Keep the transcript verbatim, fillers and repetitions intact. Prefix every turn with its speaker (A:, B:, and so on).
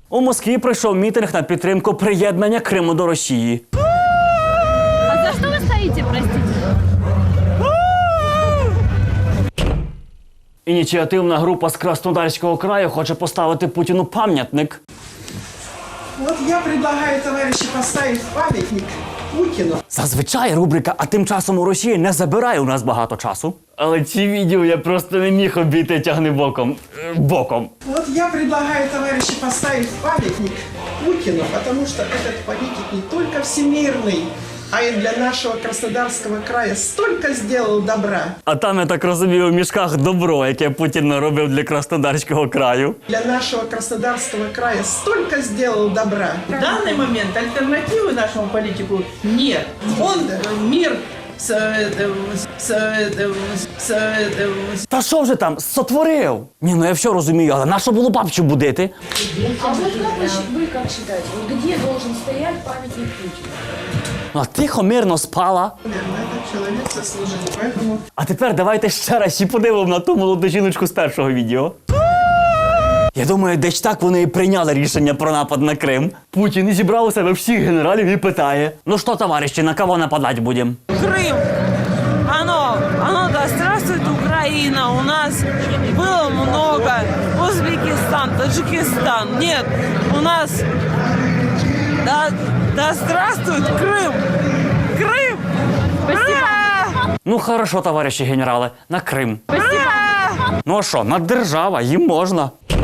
A: У Москві пройшов мітинг на підтримку приєднання Криму до Росії.
B: А за що ви стоїте, простите?
A: Ініціативна група з Краснодарського краю хоче поставити Путіну пам'ятник.
C: Вот я предлагаю, товарищи, поставить памятник Путину.
A: Зазвичай рубрика «А тим часом у Росії» не забирає у нас багато часу. Але ці відео я просто не міг обійти тягни боком. Е, Боком.
C: Вот я предлагаю, товарищи, поставить памятник Путину, потому что этот политик не только всемирный, а и для нашего Краснодарского края столько сделал добра.
A: А там, я так розумію, у мішках добро, яке Путін наробив для Краснодарського краю.
C: Для нашего Краснодарского края столько сделал добра.
D: В данный момент альтернативы нашему политику нет. Он э, мир с, э, с, э, с, э,
A: Та що вже там, сотворив? Ні, ну я все розумію, але нащо було бабцю будити?
E: А вот как вы, щи- вы как считаете, вот где должен стоять памятник Путину?
A: Ну, а тихо, мирно спала.
C: Наверное, этот человек заслужил, поэтому...
A: А тепер давайте ще раз ще подивимо на ту молоду жіночку з першого відео. Я думаю, десь так вони і прийняли рішення про напад на Крим. Путін і зібрав у себе всіх генералів і питає: ну що, товариші, на кого нападати будемо?
F: Крым, оно, оно, да здравствует Украина, у нас было много, Узбекистан, Таджикистан, нет, у нас, да, да здравствует Крым, Крым, Ура!
A: Ну хорошо, товариші генерали, на Крим.
F: Ура!
A: Ну а що, наддержава, їм можна.